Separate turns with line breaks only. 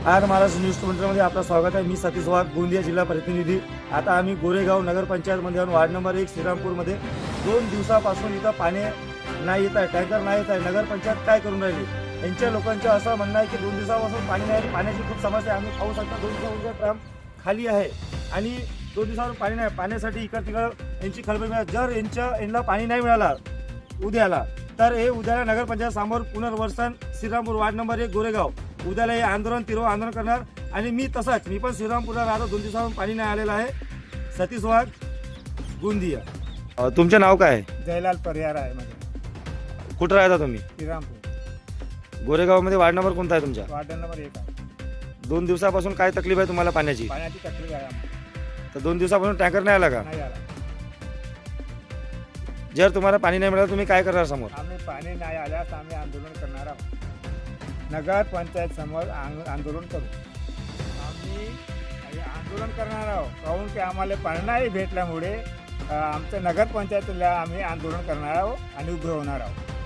आज महाराष्ट्र न्यूज 24 मध्ये आपलं स्वागत आहे। मी सतीश वाघ, गोंदिया जिल्हा प्रतिनिधी। आता आम्ही गोरेगाव नगरपंचायतमध्ये वार्ड नंबर 1 श्रीरामपूरमध्ये 2 दिवसापासून इथं पाणी नाही येत आहे, टँकर नाही येत आहे। नगरपंचायत काय करून राहिली? यांच्या लोकांचं असं म्हणणं आहे की 2 दिवसापासून पाणी नाही, पाण्याची खूप समस्या आहे। आम्ही पाहू शकता 2 दिवसापासून ट्राम खाली आहे आणि 2 दिवसावर पाणी नाही। पाण्यासाठी इकडं तिकडं यांची खळबळ आहे। जर यांना पाणी नाही मिळाला उद्याला, तर हे उद्याला नगरपंचायत समोर पुनर्वसन श्रीरामपूर वार्ड नंबर 1 गोरेगाव उद्याला हे आंदोलन तीव्र आंदोलन करणार। आणि मी पण श्रीरामपूरला राहतो, 2 दिवसापासून पाणी नाही आलेलं आहे। सतीश वाघ, गोंदिया। तुमचं नाव काय आहे?
जयलाल परिहार आहे माझं।
कुठं राहता तुम्ही?
श्रीरामपूर
गोरेगावमध्ये वार्ड नंबर कोणता आहे तुमचा?
वार्ड नंबर 1 आहे।
2 दिवसापासून काय तकलीफ आहे तुम्हाला पाण्याची?
पाण्याची तकलीफ आहे आम्हाला।
तर 2 दिवसापासून टँकर नाही आला का?
नाही आला।
जर तुम्हाला पाणी नाही मिळालं तुम्ही काय करणार समोर?
आम्ही पाणी नाही आल्यास आम्ही आंदोलन करणार आहोत। नगर पंचायत समोर आंदोलन करू। आम्ही आंदोलन करणार आहोत काहून की आम्हाला पाणी नाही भेटल्यामुळे आमच्या नगर पंचायतीला आम्ही आंदोलन करणार आहोत आणि उभे होणार आहोत।